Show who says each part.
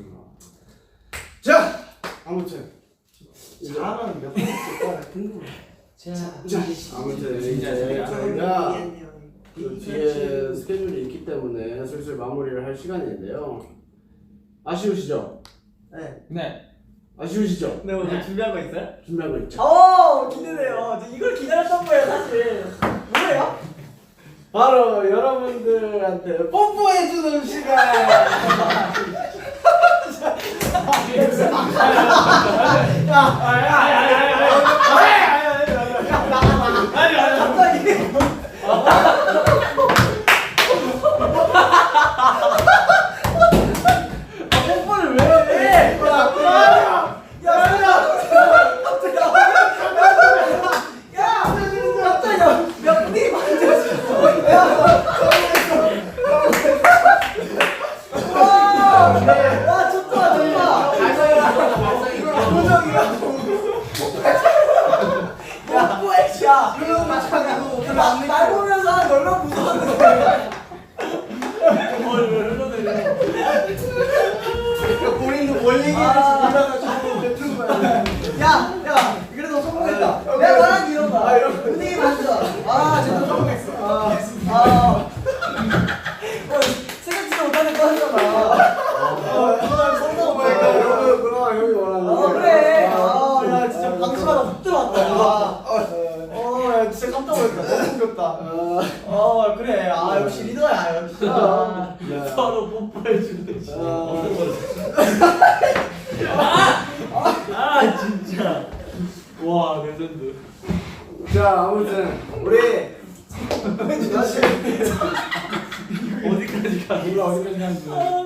Speaker 1: 자, 아무튼
Speaker 2: 잘하면 몇 번 했을 거야 궁금해.
Speaker 1: 자, 아무튼 이제 저희가 그 뒤에 스케줄이 있기 때문에 슬슬 마무리를 할 시간인데요. 아쉬우시죠?
Speaker 2: 네.
Speaker 1: 아쉬우시죠?
Speaker 3: 네, 오늘 준비한 거 있어요?
Speaker 1: 준비한 거 있죠?
Speaker 3: 기대돼요. 저 이걸 기다렸던 거예요, 사실. 뭐예요?
Speaker 1: 바로 여러분들한테 뽀뽀해주는 시간!
Speaker 3: 뽀뽀를 왜 해? 몇 분이 와, 좋다, 좋다. 뽀뽀해줘. 날 보면서 얼마나 무서웠는데.
Speaker 2: 본인도 뭘 얘기하는지 몰라가지고 뱉은 거야.
Speaker 3: 야, 그래도 성공했다. 내가 말한 이런다. 분위기 만져. 진짜 성공했어. 생각지도 못하는 거 하잖아. 성공 뭐야?
Speaker 1: 그럼 형이 원하는
Speaker 3: 그래. 야, 진짜 방심하다 훅 들어왔다.
Speaker 2: 야 진짜 깜짝 놀랐다. 너무 웃겼다.
Speaker 3: 그래. 역시 리더야, 역시.
Speaker 2: 서로 뽀뽀해주는 시.
Speaker 3: 진짜.
Speaker 2: 와 레전드.
Speaker 1: 자, 아무튼 우리
Speaker 2: 어디까지 가?
Speaker 1: 몰라 어디까지 하는지.